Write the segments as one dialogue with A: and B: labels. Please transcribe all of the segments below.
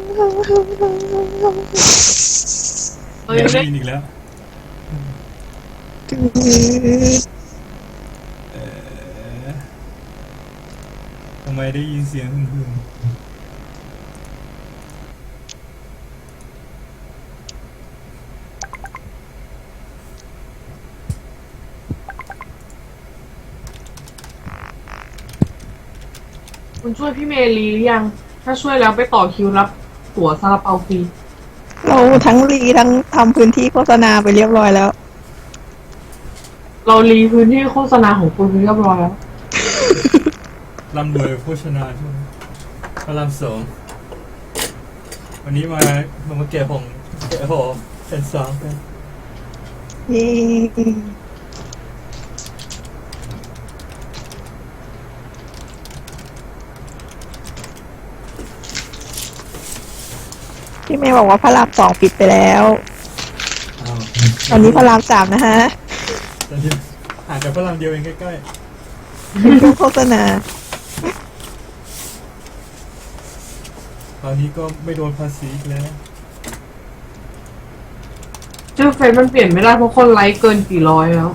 A: เฮ้ย
B: ได้
A: ได้
B: ยินอีกแล้วเอ่อทำไมได้ยินเสียงหึ่ม
A: คุณช่วยพี่เมลีหรือยังถ้าช่วยแล้วไปต่อคิวรับตั๋วซาลาเปาฟรี
C: เราทั้งรีทั้งทำพื้นที่โฆษณาไปเรียบร้อยแล้ว
A: เรารีพื้นที่โฆษณาของคุณเรียบร้อยแล้ว
B: ๆร่ำรวยโภชนาช่วงพระรามสองวันนี้มาแกะของแกะห่อแผ่นสามกัน
C: เย้พี่เมย์บอกว่าพระรามสองปิดไปแล้ว
B: อ้าว
C: ตอนนี้พระรามสามนะฮะ
B: ตอนนี้ห่างจากพระรามเดียวเองใกล้
C: เป็นช่วงโฆษณา
B: ๆตอนนี้ก็ไม่โดนภาษีอีกแล้ว
A: ชื่อเฟซมันเปลี่ยนไม่ได้เพราะคนไลค์เกินกี่ร้อยแล้ว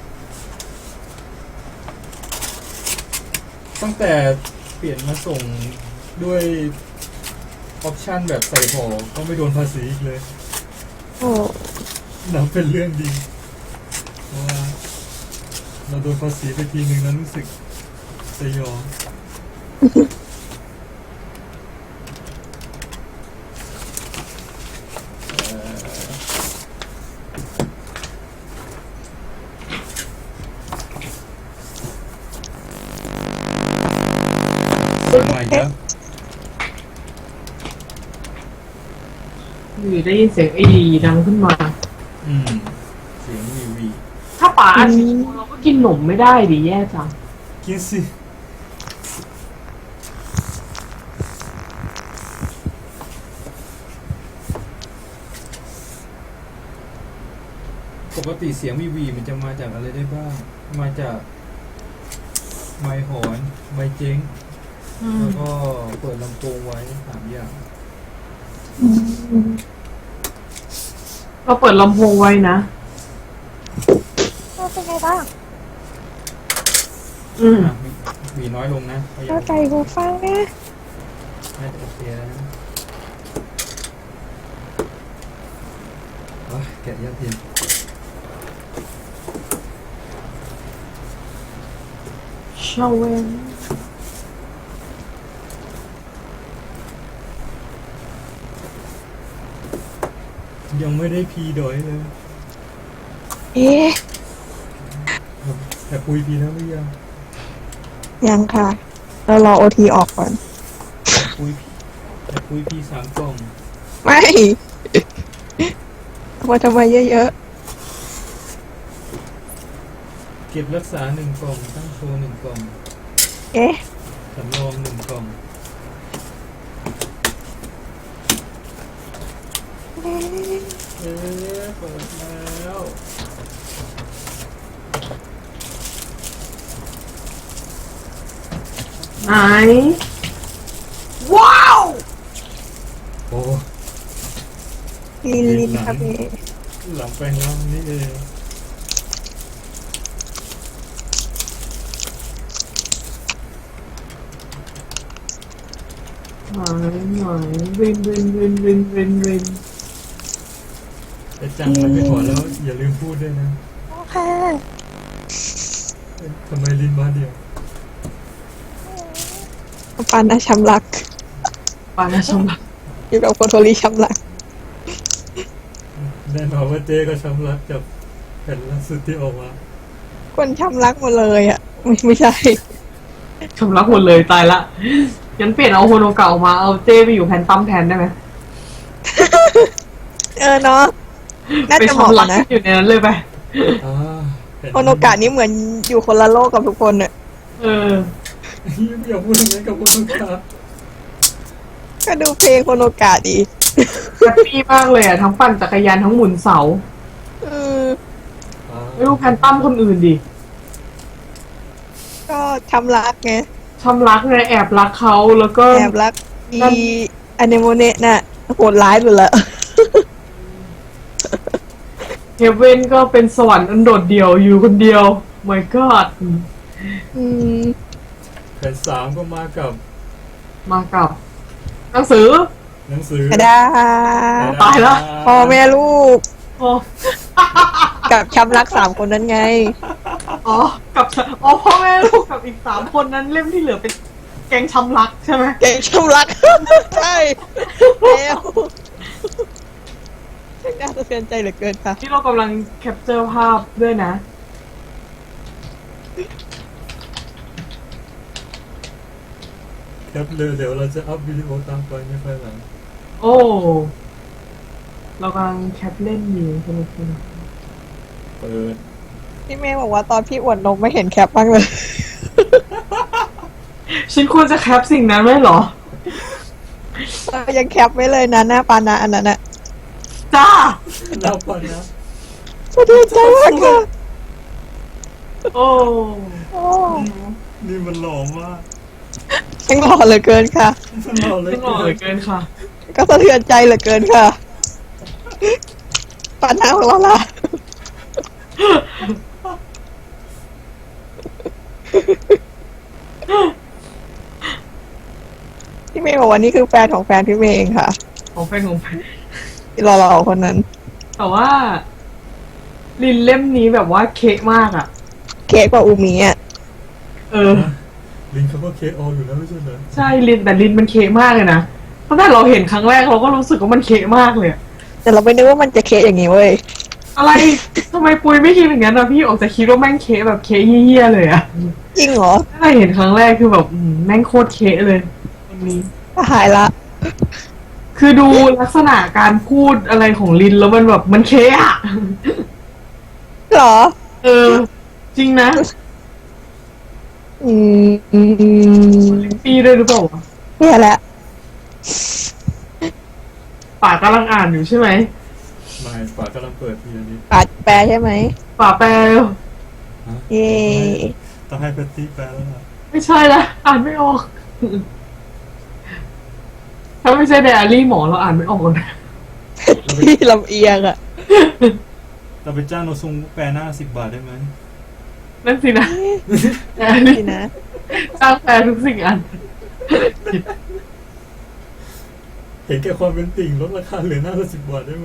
B: ตั้งแต่เปลี่ยนมาส่งด้วยออปชันแบบใส่ห่อก็ไม่โดนภาษีอีกเลย
C: โอ้
B: นับเป็นเรื่องดีเพราะว่าเราโดนภาษีไปทีนึงแล้วรู้สึกสยองเสียงใหม่แล้ว
A: อยู่ได้ยินเสียงไอดีดังขึ้นมา
B: เสียงวีวี
A: ถ้าป๋าอัดวิดีโอเราก็กินหนมไม่ได้ดิแย่จัง
B: กินสิปกติเสียงวีวีมันจะมาจากอะไรได้บ้าง มาจากไมค์หอนไมค์เจ๊งแล้วก็เปิดลำโพงไว้3 อย่าง
A: เราเปิดลำโพงไว้นะ
C: เป็นไงบ้าง
B: มีน้อยลงนะพยายา
C: เข้าม ใจหูฟังนะ
B: น่าจะโอเคแล้วนะแกะยาเทียม
A: ชาเวน
B: ยังไม่ได้พีดอยเลย
C: เอ๊ะ
B: แต่คุยพีแล้วหรือยัง
C: ยังค่ะ เรารอโอทีออกก่อน
B: แต่คุยพี3 กล่อง
C: ไม่เอามาทำไมเยอะ
B: เก็บรักษา1 กล่อง ตั้งโชว์1 กล่อง
C: ๆ เอ๊ะ
B: สำรอง1 กล่อง เปิดแล้ว
A: ไหนว้าว
B: โอ้
C: ลินครับเอ๊ะ
B: หลังแปลงร่างนี่เอง
A: ไหนวินวินวินวินวินวิน
B: แต่จังมันไปขอแล้วอย่าลืมพูดด้วยนะ
C: โอเค
B: ทำไมลินมาเดียว
C: ปานนะช้ำรัก
A: ปานาชมรัก
C: อยู่กับโคโทริช้ำรัก
B: แน่นอนว่าเจ๊ก็ช้ำรักกับแผ่นล่าสุดที่ออกมา
C: คนช้ำรักหมดเลยอ่ะ ไม่ใช่
A: ชมรักหมดเลยตายละงั้นเปลี่ยนเอาโฮโนเก่ามาเอาเจ้ไปอยู่แพนตั้มแทนได้ไหม
C: เนาะ น่า
A: ไป
C: จะ
A: ช
C: เหมาะ
A: มรัก
C: นะ
A: อยู่ในนั้นเลยไป
B: แผ่
C: โคโนกะนี่เหมือนอยู่คนละโลกกับทุกคนเนี่ย
A: เออ
B: อย่าพูดอย่างนี้กับคุณลูกค้า
C: ก็ดูเพลงโคโนกะดี
A: แฮปปี้มากเลยอ่ะทั้งปั่นจักรยานทั้งหมุนเสา
C: เออ
A: ไม่รู้แพนตั้มคนอื่นดิ
C: ก็ช้ำรักไง
A: ชำรักไงแอบรักเขาแล้วก็
C: แอบรักอีออเนโมเนะน่ะโหดร้ายสุดละ
A: เฮเว่นก็เป็นสวรรค์อันโดดเดี่ยวอยู่คนเดียว my god
C: อืม
B: แผ่นสามก็มากับ
A: มากับหนังสือ
B: หนังสือก
C: ระดาษ
A: ตายละ
C: พ่อแม่ลูก
A: อ๋อ
C: กับช้ำรัก3 คนนั้นไง
A: อ๋อกับอ๋อพ่อแม่ลูกกับอีก3 คนนั้นเล่มที่เหลือเป็นแกงช้ำรักใช่ไหม
C: เก่งช้ำรัก ใช่แล้วน่าสะเทือนใจเหลือเกินค่ะ
A: ที่เรากำลังแคปเจอร์ภาพด้วยนะ
B: แคปเลยเดี๋ยวเราจะอัพวิดีโอตามไปในภายหลัง
A: โอ้ เรากำลังแคปเล่นอยู่สนุกสนุก
B: เปิด
C: พี่เมย์บอกว่าตอนพี่อวดนมไม่เห็นแคปบ้างเลย
A: ฉันควรจะแคปสิ่งนั้นไว้เหรอ
C: ยังแคปไว้เลยนะหน้าปานะอันนั้นอะ
A: จ้า
B: แล้วก่อนนะ
C: สะเทือนใจมากค่ะ
A: โอ้
C: โอ้
B: นี่มันหล่อมาก
C: ยังหล่อเหลือเกินค่ะ
B: มันหล่อเลย
A: ไม่หล่อเหลือเกินค่ะ
C: ก็สะเทือนใจเหลือเกินค่ะปานะของเราล่ะ พี่เมย์บอกว่านี่คือแฟนของแฟนพี่เมย์เองค่ะ
A: ของแฟนของแฟน
C: ที่รอคนนั้น
A: แต่ว่า ลินเล่มนี้แบบว่าเคะมากอ่ะ
C: เค้กกว่าอูมิอ่ะ
A: เออ
B: ลิงเขาก็เคอออยู่แล้วไม่ใช่เหรอ
A: ใช่ลินแต่ลินมันเคะมากเลยนะตั้งแต่เราเห็นครั้งแรกเราก็รู้สึกว่ามันเคะมากเลยอะ
C: แต่เราไม่นึกว่ามันจะเค้กอย่างนี้เว้ย
A: อะไรทำไมปุยไม่คิดอย่างนั้นนะพี่ออกจะคิดว่าแม่งเคะแบบเคะเหี้ยๆเลยอะ
C: จริงเหรอ
A: ตั้งแต่เห็นครั้งแรกคือแบบแม่งโคตรเคะเลยอันนี้
C: หายละ
A: คือดูลักษณะการพูดอะไรของลินแล้วมันแบบมันเคะอะ
C: เหรอ
A: เออ จริงนะ
C: อืมอืมอืม
A: ปีด้วยหรือเปล่าวะ
C: เนี่ยแหละ
A: ป่ากำลังอ่านอยู่ใช่ไหม
B: ไม่ฝากำลังเปิดทีนี้
C: ปาดแปลใช่ไหม
A: ป่าแปล
B: ฮะ
C: เย่
B: ต้องให้แพตตี้แปลแล้วล่ะ
A: ไม่ใช่ละอ่านไม่ออก ถ้าไม่ใช่ไดอารี่หมอเราอ่านไม่ออกนะ
C: ที่ลำเอียงอ่ะ
B: เราไปจ้างโนซุงแปลหน้า10 บาทได้ไหม
A: นั่นสินะไดอารี่
C: นี่นะ
A: สร้างแปลทุกสิ่งอัน
B: เห็นแก่ความเป็นติ่งลดราคาเหลือหน้าละ10 บาทได้ไหม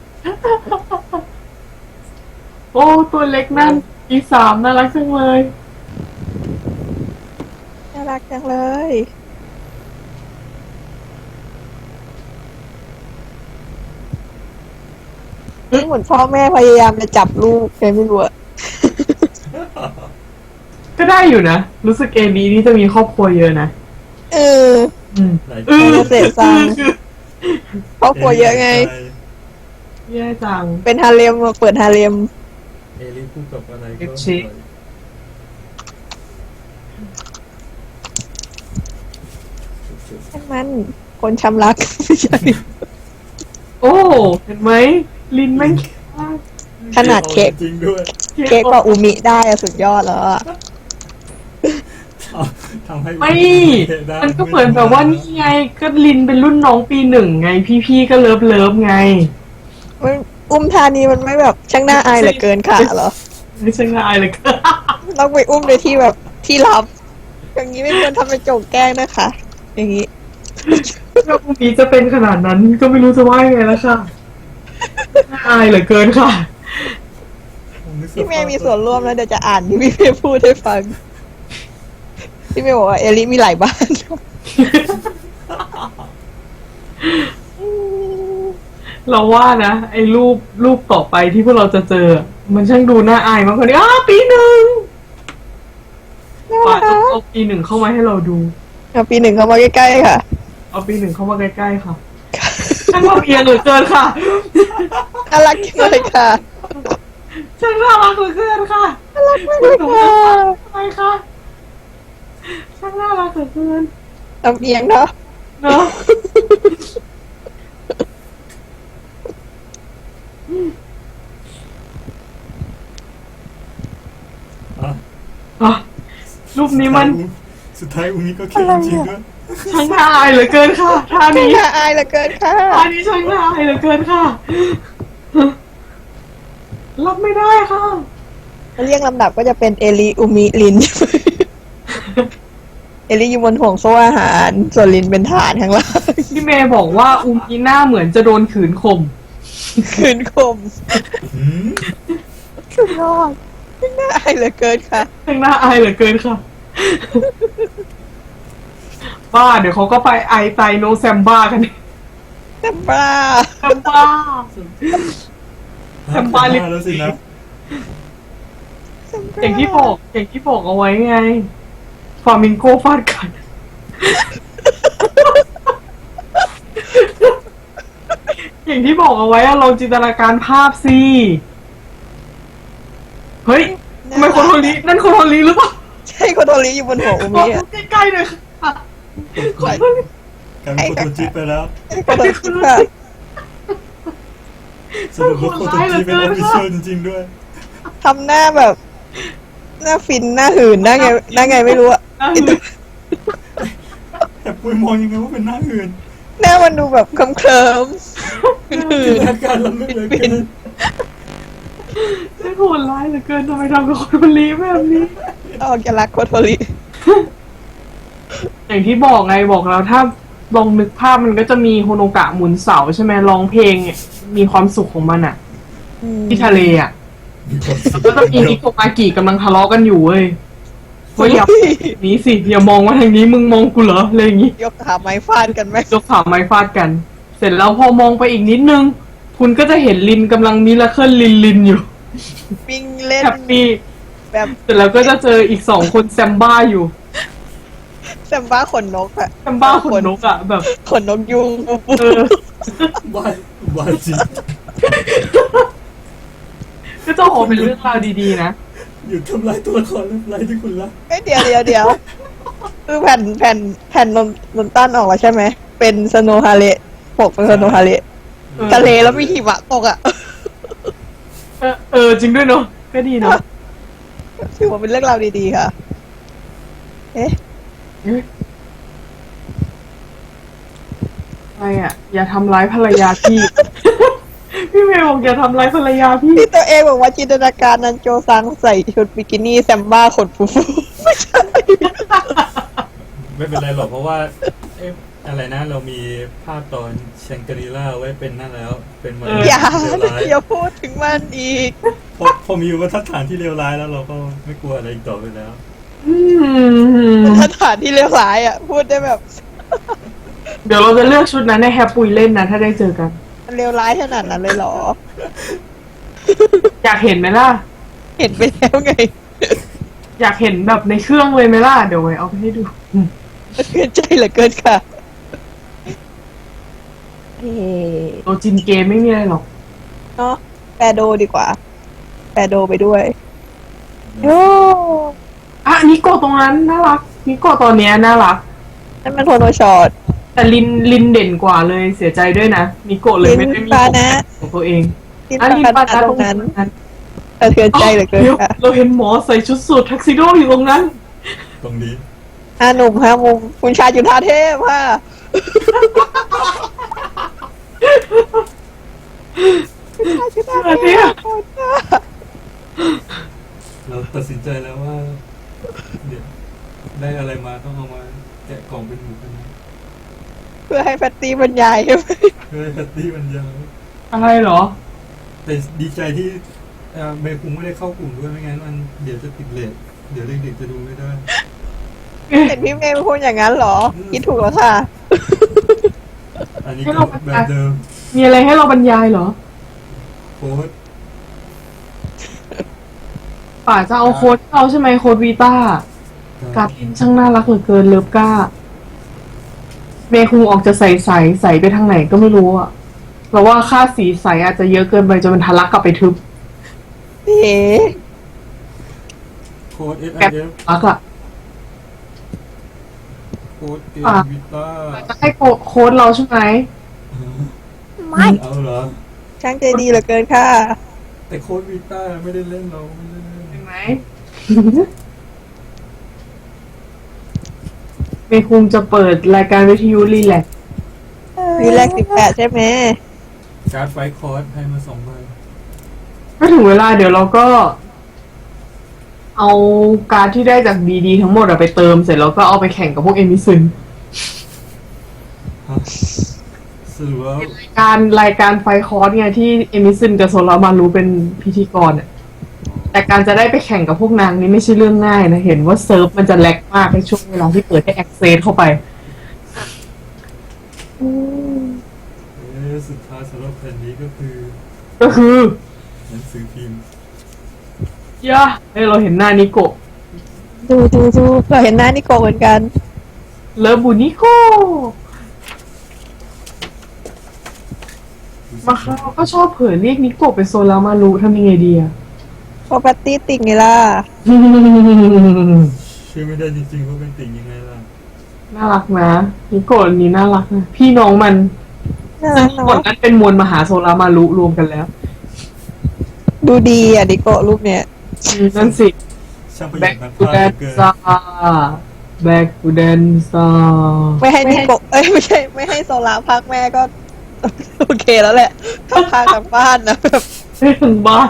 A: โอ้ ตัวเล็กนั่นE3น่ารักจังเลย
C: น่ารักจังเลย นี่เหมือนพ่อแม่พยายามจะจับลูกแกไม่รู้อะ
A: ก็ได้อยู่นะ รู้สึกเอนี้นี่จะมีครอบครัวเยอะนะ
C: เออ
A: อืม
B: หลาย
A: เออ
C: เสพซัง ครอบครัวเยอะไง
A: แย่จัง
C: เป็นฮาเลมเปิดฮาเลม
B: เอลิพูดกับอะไรก็
A: เอ็กชิ
C: ช่างมันคนช้ำรัก ไม่ใช่
A: โอ้ เห็นไหม ลินแม่ง
C: ขนาดเค้ก
B: จริงด้วย
C: เค้กกว่าอูมิได้อะสุดยอดแล้วอะ
B: ทำให้
A: ไม่
B: ได้
A: มันก็เหมือนแบบว่านี่ไง ก็ลินเป็นรุ่นน้องปี1ไง พี่ๆก็เลิฟไง
C: มันอุ้มทานีมันไม่แบบช่างน่าอายเหลือเกินค่ะเหรอ
A: ไม่ใช่ง่ายเลยก็
C: ต้องไปอุ้มในที่แบบที่ลับ อย่างนี้ไม่ควรทำเป็นโจกแกล้งนะคะ อย่างนี้
A: ถ้าพรุ่งนี้จะเป็นขนาดนั้นก็ไม่รู้จะว่ายังไงแล้วค่ะน่าอายเหลือเกินค่ะ
C: พี่เมย์มีส่วนร่วมแล้วเดี๋ยวจะอ่านที่พี่เมย์พูดให้ฟัง พี่เมย์บอกว่าเอลิมีหลายบ้าน
A: เราว่านะไอ้รูปต่อไปที่พวกเราจะเจอ มันช่างดูน่าอายมากกว่านี้ปี1ป่าต้องเอาปี1เข้ามาให้เราดู
C: เอาปี 1เข้ามาใกล้ๆค่ะ
A: เอาปี1เข้ามาใกล้ๆค่ะช่างลำเอียงเหลือเกินค่ะ
C: น่ารักจังเลยค่ะ
A: ช่างน่ารักเหลือเกินค่ะ
C: น่ารักมากเลยค่ะ
A: ทำไมคะช่างน่ารักเหลือเกิน
C: ลำเอียงเนาะ
A: เนาะ
B: อ่ะ
A: อ่ะรูปนี้มัน
B: สุดท้ายอุ้งนี้ก็เค้กจริงๆด้วย
A: ใช่ช่างน่าอายเหลือเกินค่ะท่านี้
C: น่าอายเหลือเกินค่ะ
A: ท่านี้ช่างน่าอายเหลือเกินค่ะรับไม่ได้ค่ะ
C: เรียงลำดับก็จะเป็นเอลิอุมิลิน เอลิอยู่บนห่วงโซ่อาหาร ส่วนลินเป็นฐานข้างล่าง
A: พี่เมย์บอกว่าอุมีหน้าเหมือนจะโดนขืนข่ม
C: คืนคม
B: หืม
C: สุดยอดน่าอายเหลือเกินค่ะ
A: ช่างน่าอายเหลือเกินค่ะบ้าเดี๋ยวเขาก็ไปไอไตโนแซมบ้ากัน
C: แต่บ้า
A: แซมบ้า ทำบาลิ
B: แล้วสินะ
A: อย่างที่บอกเอาไว้ไงฟามิงโกฟาดกัน อย่างที่บอกเอาไว้อะลองจินตนาการภาพสิเฮ้ยทำไมคนโทรลีนั่นคนโทรลีหรือเปล่า
C: ใช่โคโทริอยู่บนหัวอุ
A: บ
C: มิ
A: อก
C: อะ
A: ใกล้ๆหน่อยค่ะคนโทรลี
B: กลายเป็นโคโตจิไปแล้ว
C: โคโทริค่ะ
B: สรุปว่าโคโตจิเป็นออฟฟิเชียลจริงๆด้วย
C: ทำหน้าแบบ หน้าฟินหน้าหื่นหน้าไงไม่รู้อะ
A: น่าหื่น
B: แต่ปุ้ยมองยังไงว่าเป็นหน้าอื่น
C: หน้ามันดูแบบเคลิ้มๆหื่
B: จิน
C: น
B: ตนาการเราไม่เหลยเกิน
A: ไม่โหดร้ายเหลือเกินทำไมทำกับคนโทรลีแบบนี้
C: ๆออกจะรักโคโทริ
A: อย่างที่บอกไงบอกแล้วถ้าลองนึกภาพมันก็จะมีโฮโนกะหมุนเสาใช่ไหมร้องเพลงเนี่ยมีความสุขของมันอะที่ทะเลอะก็จะมีนิโกมากิกำลังทะเลาะกันอยู่เว้ยว่าอย่าหนี้สิอย่ามองว่าทางนี้มึงมองกูเหรออะไรอย่างงี้
C: ยกขาไม้ฟาดกันไหม
A: ยกขาไม้ฟาดกัน เสร็จแล้วพอมองไปอีกนิดนึง คุณก็จะเห็นลินกำลังมิราเคิลลินอยู่
C: วิ่งเล่น
A: แฮปปี้
C: แบบ
A: เสร็จแล้วก็จะเจออีกสองคนแซมบ้าอยู่
C: แซมบ้าขนนกอะ
A: แซมบ้าขนนกอะแบบ
C: ขนนกยุง
A: เออ
B: บ้าบ้าจริง
A: ก็จะโหเป็นเรื่องราวดีๆนะ
B: หยุดทำลายตัวละครและทำลายที่คุณรัก
C: เอ้ยเดี๋ยวคือแผ่นนนตันออกแล้วใช่ไหมเป็นสโนฮาเละปกเป็นสโนฮาเละ
A: เออ
C: ทะเลแล้วมีหิมะตกอะ
A: จริงด้วยเนาะก็ดีเนาะ
C: ถือว่าเป็นเรื่องราวดีๆค่ะ เอ๊ะ
A: อะไรอ่ะ อย่าทำร้ายภรรยาพี่ พี่เมย์บอกอย่าทำร้ายภรรยาพี่
C: ที่ตัวเองบอกว่าจินตนาการนันโจซังใส่ชุดบิกินี่แซมบ้าขนฟูๆไม่ใช่
B: ไม่เป็นไรหรอกเพราะว่าเอ๊ะอะไรนะเรามีภาพตอนแชงกรีล่าไว้เป็นนั่นแล้ว เป็นมนุษย์
C: อย่า
B: เลวร้าย
C: อย่าพูดถึงมันอีก
B: พอมีบรรทัดฐานที่เลวร้ายแล้วเราก็ไม่กลัวอะไรอีกต่อไปแล้ว
C: สถานที่เลวร้ายอ่ะ พูดได้แบบ
A: เดี๋ยวเราจะเลือกชุดนั้นให้แฮปปุยเล่นนะ ถ้าได้เจอกัน
C: มันเลวร้ายขนาดนั้นเลยเหรอ
A: อยากเห็นไหมล่ะ
C: เห็นไปแล้วไง
A: อยากเห็นแบบในเครื่องเลยไหมล่ะ เดี๋ยวไว้เอาไปให้ดู
C: เกินใจเหลือเกินค่ะเอ๊ะ
A: โตจินเกมไม่มีอะไรหรอก
C: เนาะแปรโดดีกว่า แปรโดไปด้วยโอ้
A: อ่ะนิโกะตรงนั้นน่ารักนิโกะตอนเนี้ยน่ารัก
C: นั่นมันโทโนช็อต
A: แต่ลินเด่นกว่าเลยเสียใจด้วยนะนิโกะเลยไม่ได้มี
C: ลินปานะ
A: ของตัวเอง
C: ที่
A: อ่ะลิน
C: ปา
A: ปา
C: นะ
A: นะ
C: ตรงนั้น
A: นั้น
C: สะเทือนใจเหลือเกิน
A: ดี๋ยว
C: ค่ะ
A: เราเห็นหมอใส่ชุดสูททักซิโดอยู่ตรงนั้น
B: ตรงนี้
C: ห้าหนุ่มห้ามุมคุณชายจุฑาเทพค่ะคุณชายจุฑาเทพค่ะ
B: เราตัดสินใจแล้วว่า เดี๋ยวได้อะไรมาต้องเอามาแกะกล่องเป็นหมูกันนะ
C: เพื่อให้แพตตี้บรรยายใช่ไหม
B: เพื่อให้แพตตี้มันยาว
A: อะไรเหรอ
B: แต่ดีใจที่เมย์คุงไม่ได้เข้ากลุ่มด้วยไม่งั้นมันเดี๋ยวจะติดเลทเดี๋ยวเด็กๆจะดูไม่ได้
C: เห็นพี่เมย์พูดอย่างนั้นเหรอ คิดถูกแล้วค่ะ
B: อันนี้
A: ให้
B: ก็
A: เรา
B: แบบเดิม
A: มีอะไรให้เราบรรยายเหรอ
B: โค้ด
A: ป่าจะเอาโค้ดเขาใช่ไหมโค้ดวีต้าการลินช่างน่ารักเหลือเกินเลิฟก้าเมย์คงออกจะใใสไปทางไหนก็ไม่รู้อะเราว่าค่าสีใสอาจจะเยอะเกินไปจนมันทะลักกลับไปทึบ
C: เอ๋
B: โค้ด
A: แบบ
B: SIF
A: ลักอะ
B: โค้ดเอ
A: อ่ะ
B: วิต้า
A: จะให้โค้ดเราใช่ไหม
C: ไม่
B: เอาเหรอ
C: ช่างใจดีเหลือเกินค่ะ
B: แต่โค้ดวิต้าไม่ได้เล่นเราไม่ได้เล่น
A: เห็นไหมเมย์คงจะเปิดรายการวิทยุรีแลกซ์
C: วีแรก18 ใช่ไหม
B: การ์ดไฟคอร์สให้มา2ใบ
A: ก็ถึงเวลาเดี๋ยวเราก็ เอาการ์ดที่ได้จากดีๆทั้งหมดอะไปเติมเสร็จแล้วก็เอาไปแข่งกับพวกเอมิซึน
B: ฮะสรุปว่าร
A: ายการไฟคอร์สเนี่ยที่เอมิซึนกับโซลามารู้เป็นพิธีกรอะแต่การจะได้ไปแข่งกับพวกนางนี่ไม่ใช่เรื่องง่ายนะ เห็นว่าเซิร์ฟมันจะแลกมากในช่วงเวลาที่เปิดให้แอคเซสเข้าไป
B: สุดท้ายสำหรับแผ่นนี้ก็คือ
A: ก็คือ
B: หนังสือพิมพ์
A: ย่าเราเห็นหน้านิโกะ
C: ดูเราเห็นหน้านิโกะเหมือนกัน
A: เลิฟบุนิโกบางครั้งเราก็ชอบเผลอเรียกนิโกะเป็นโซลามารุทำยังไงดีอะ
C: โปรปตตี้ติ่งไงล่ะ
B: ชื่อไม่ได้จริงๆว่าเป็นติ่งยังไงล่ะ
A: น่ารักนะนิโกะนี่น่ารักนะพี่น้องมัน
C: น่า
A: ซึ่
C: รั
A: ง
C: ก
A: ก่อน
C: เนาะ
A: นั้นเป็นมวลมหาโซลามารุรวมกันแล้ว
C: ดูดีอ่ะนิโกะรูปเนี้ย
A: นั่นสิ
B: ช่างประห
A: แบ็
B: ยั
A: ก
B: ดนัก
A: ทู
B: พา
A: แด
B: ก
A: น
B: เหลือเกิน
A: ซ่าแบ็กทูแดนซ่า
C: ไม่ให้นิโกะไม่ใช่ ไม่ให้โซลาพักแม่ก็ โอเคแล้วแหละถ้าพากันบ้านนะแบบ
A: ได้ถึงบ้าน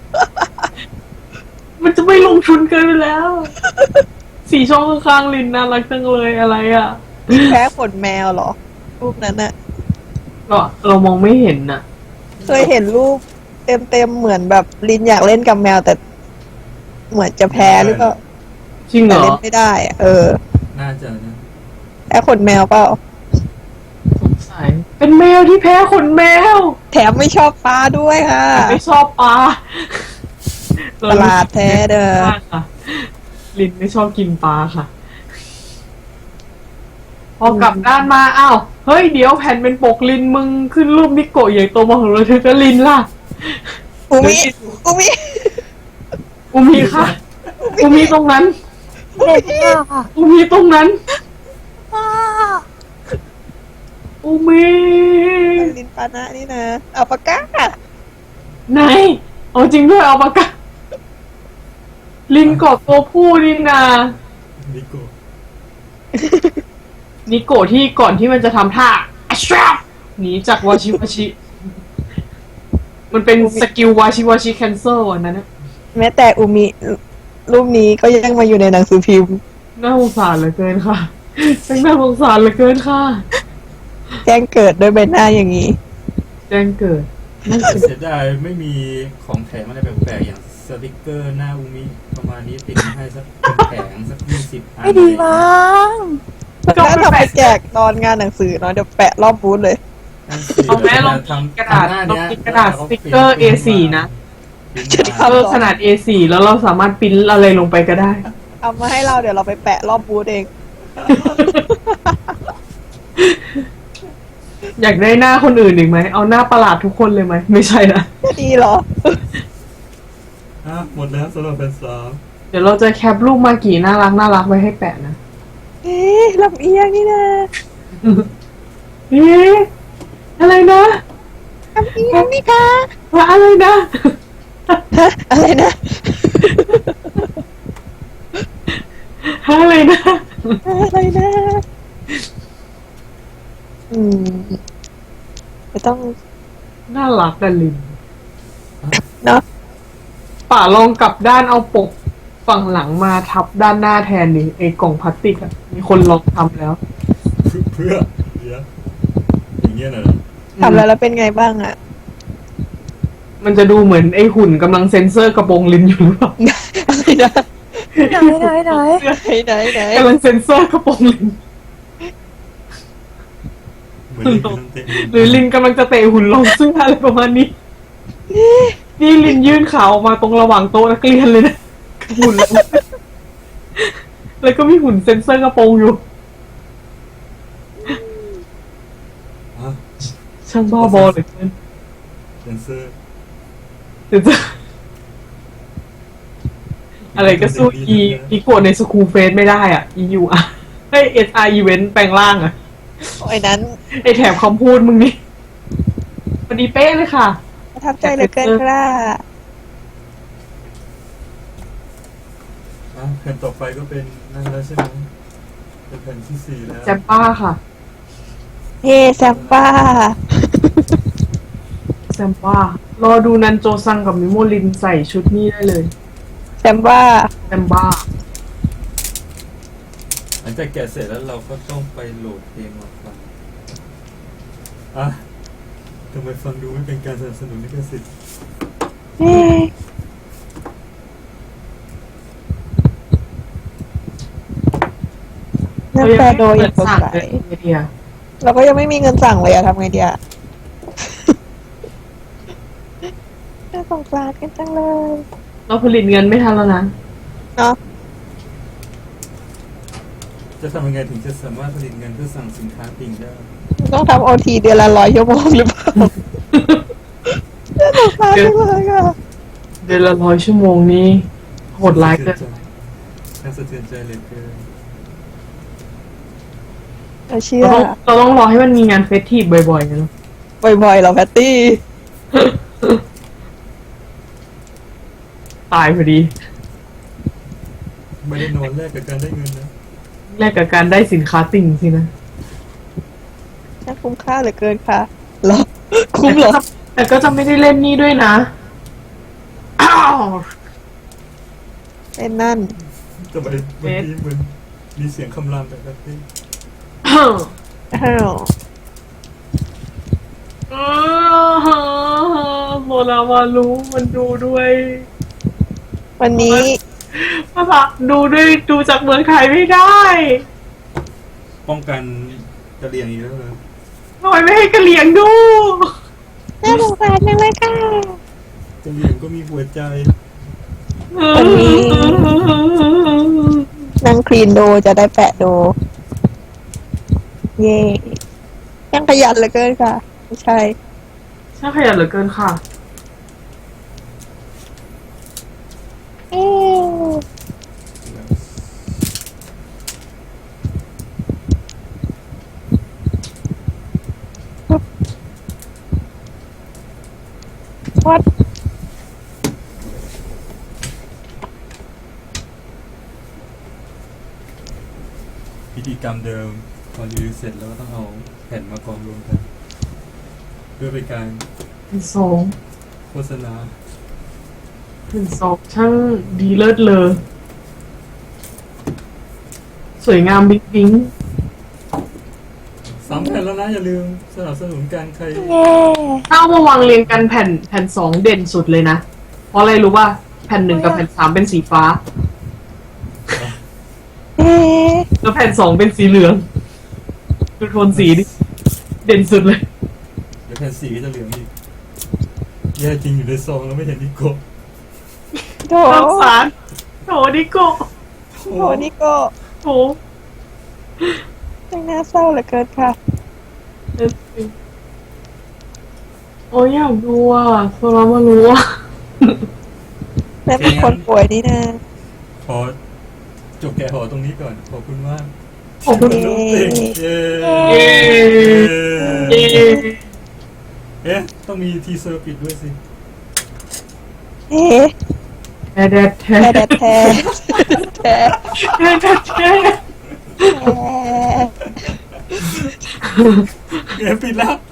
A: มันจะไม่ลงทุนเกินไปแล้ว สีช่องข้างๆลินน่ารักจังเลยอะไรอ่ะ
C: แพ้ขนแมวเหรอ รูปนั้นน่ะ
A: เรามองไม่เห็นน่ะ
C: เคยเห็นรูปเต็มเหมือนแบบลินอยากเล่นกับแมวแต่ เหมือนจะแพ้หรือเปล่า
A: จริงเหร
C: แต่
A: อ
C: เล่นไม่ได้อะ
B: น่าจะนะ
C: แพ้ขนแมวเปล่า
A: สงสัยเป็นแมวที่แพ้ขนแมว
C: แถมไม่ชอบปลาด้วยค่ะ
A: ไม่ชอบปลา
C: ประหลาดแท้เด้อ
A: มากค่ะ ลินไม่ชอบกินปลาค่ะ พอกลับด้านมาอ้าวเฮ้ยเดี๋ยวแผ่นเป็นปกลินมึงขึ้นรูปนิโกะใหญ่โตมาของเราเธอก็ลินล่ะ
C: อุมิอุมิ
A: อุมีค่ะ อุมีตรงนั้น
C: เด็กมากค่ะ
A: อุมีตรงนั้น อุมี
C: ลินปานะนี่นะอัลปาก้า
A: ไหนเอาจริงด้วยเอาปากกาลินกอดตัวผู้นี่นา
B: นิโกะ
A: นิโกะที่ก่อนที่มันจะทำท่าอัชราหนีจากวาชิวาชิ มันเป็นสกิลวาชิวาชิแคนเซิลอันนั้นนะ
C: แม้แต่อุมิรูปนี้ก็ยังมาอยู่ในหนังสือพิมพ์
A: น่าสงสารเหลือเกินค่ะช่างน่าสงสารเหลือเกินค่ะ
C: แจ้งเกิดด้วยใบหน้าอย่างนี้
A: แจ้งเกิด
B: เสียดายไม่มีของแถมอะไรแปลกๆอย่างสติกเกอร์หน้าอุมิประมาณนี้ติดมาให้สักเป็นแผงสัก20 อัน
C: ไม่ดีมั้ง
A: ก็
C: น่า
A: ไม่
C: ทำไป
A: แปลก
C: แจกตอนงานหนังสือเนาะเดี๋ยวแปะรอบบูธเลย
B: นั่นสิ
A: เอาแม้ลอง
B: ทำ
A: กระดาษ
B: ทำหน้
A: ลอง
B: เนี้ย
A: กินกระดาษสติกเกอร์ A4 นะ
B: พิมพ์
C: จะ
B: มา
C: ทำ
A: ขนาด A4 แล้วเราสามารถปริ้นอะไรลงไปก็ได้
C: เอามาให้เราเดี๋ยวเราไปแปะรอบบูธเอง
A: อยากได้หน้าคนอื่นอีกไหม เอาหน้าประหลาดทุกคนเลยไหม ไม่ใช่นะ
C: ดีเหรอ
B: หมดแล้วสำหรับเป็นสาม
A: เดี๋ยวเราจะแคปรูปมากี่น่ารักไว้ให้แปะนะ
C: เอ๊ะลำเอียงนี่นะ
A: เอ๊ะอะไรนะ
C: ลำเอียงนี่คะ
A: ว่าอะไรนะ
C: ฮะอะไรนะ
A: อะไรนะ
C: อะไรนะ ไม่ต้อง
A: น่ารักกันลิน
C: เนาะ
A: ป่าลองกลับด้านเอาปกฝั่งหลังมาทับด้านหน้าแทนนี่ไอ้กล่องพลาสติกอะมีคนลองทำแล้ว
B: เพื่อเดี๋ยวอย่างเงี้ยน่ะ
C: ทำแล้วเป็นไงบ้างอะ
A: มันจะดูเหมือนไอ้หุ่นกำลังเซ็นเซอร์กระโปรงลินอยู่หรือเปล่า
C: อะไรนะไหนไหน
A: กำลังเซ็นเซอร์กระโปรงลิน
B: เหมือนเล่นน้ำเตะ
A: หรือลินกำลังจะเตะหุ่นลงซึ่งอะไรประมาณนี้ นี่ลินยื่นขาออกมาตรงระหว่างโต๊ะนักเรียนเลยนะหุ่นแล้วก็มีหุ่นเซ็นเซอร์กระโปรงอยู่
B: อ่ะ
A: ช่างบ้าบอเหลยเกิน
B: เซนเซอร์
A: เดี๋ยวจะอะไรก็สู้อีโกะในสคูลเฟสไม่ได้อ่ะ EU อ่ะให้ SR Event แปลงร่างอ่ะ
C: ไอ้นั้น
A: ไอแถบคำพูดมึงนี่พอดีเป๊ะเลยค่ะ
C: ประทับใจเหลือเกินค่ะ
B: แผ่นต่อไปก็เป็นนั่นแล้วใช่ไหมเป็นแผ่นที่สี่แล้ว
A: แซมป้าค่ะ
C: เฮ้แซมป้า
A: แซมป้ารอดูนันโจซังกับมิโมลินใส่ชุดนี้ได้เลย
C: แซมป้า
A: แซมบ้า
B: หลังจากแกะเสร็จแล้วเราก็ต้องไปโหลดเพลงมาฟังอ่ะทำไมฟังดูไม่เป็นการสนับสนุนลิขสิทธิ์
C: เฮ้นั่นแปลโดยอย่างสดใส
A: ไอเดีย
C: เราก็ยังไม่มีเงินสั่งเลยอะทำไงดีอะน่าสงสารกันจังเลย
A: เราผลิตเงินไม่ทันแล้วนะ
C: เนาะ
B: จะทำยังไงถึงจะสามารถผลิตเงินเพื่อสั่งสินค้าปิงได้
C: ต้องทำโอทีเดือนละ100 ชั่วโมงหรือเปล่าน่าสงสารจังเลยอะ
A: เดือนละ100 ชั่วโมงนี้โหดร้ายเกิน
B: น่าสะเทือนใจเหลยเกิน
C: เราเชื่อ
A: เราต้องรอให้มันมีงานเฟสทีฟบ่อยๆนะ
C: บ่อยๆเหรอแพตตี้
A: ตายพอดี
B: ไม่ได้นอนแลกกับการได้เงินนะ
A: แลกกับการได้สินค้าติ่งสินะ
C: น่าคุ้มค่าเหลือเกินค่ะเหรอ คุ้มเหรอ
A: แต่ก็จะไม่ได้เล่นนี่ด้วยนะอ้าว
C: เป็นนั่น
B: ทำไมบางทีมันมีเสียงคำรามแบบนี้
C: อ้าว
A: โมนามารู้มันดูด้วย
C: วันนี้
A: ภาษาดูจากเมืองไทยไม่ได้
B: ป้องกันกระเรียงอีกแล้วเลย
A: ทำไมไม่ให้กระเหลี่ยงดู
C: น่าสงสารจังเลยค่ะ
B: กระเรียงก็มีหัวใจ
C: วันนี้ นั่งคลีนโดจะได้แปะโด เย่ยังขยันเหลือเกินค่ะ ไม่ใช่
A: ช่างขยันเหลือเกินค่ะ
C: เอ๊ะวัด
B: พิธีกรรมเดิมพอรีวิวเสร็จแล้วก็ต้องเอาแผ่นมากองรวมกันเพื่อเป็นการ
A: เป็นสอง
B: โฆษณา
A: เป็นสองช่างดีเลิศเลอสวยงามบิ๊กบิ๊ง
B: 3 แผ่นแล้วนะอย่าลืมสนับสนุนการใคร
C: เย่
A: ถ้าเอามาวางเรียงกันแผ่นสองเด่นสุดเลยนะ เพราะอะไรรู้ป่ะแผ่น 1กับแผ่น 3เป็นสีฟ้า
C: เอ๊ะ
A: แล้วแผ่น 2เป็นสีเหลืองดูโทนสีดิเด่นสุดเลย
B: เดี๋ยวแผ่น4ก็จะเหลืองอีกแย่จริงอยู่ในซองแล้วไม่เห็นนิโก้
C: โถ
A: สงสารโถดิโก้
C: โถนี่ก็
A: โถ
C: ยังน่าเศร้าเหลือเกินค่ะ
A: โอ้ยอยากดูอ่ะโซรามารู้อ่ะ
C: และเป็นคนป่วยนี่นะ
B: ขอจบแกะหอตรงนี้ก่อนขอบคุณมาก
A: ขอบคุณ
B: ลูกเด็กเย้
A: เย้เย้
B: เอ๊ะต้องมีทีเซอร์ปิดด้วยสิ
C: เอ๊ะ
A: แท้แท้
C: แท้แท้แท้แท้
A: แท้แท้แท้
B: เอ๊ะปิดแล้ว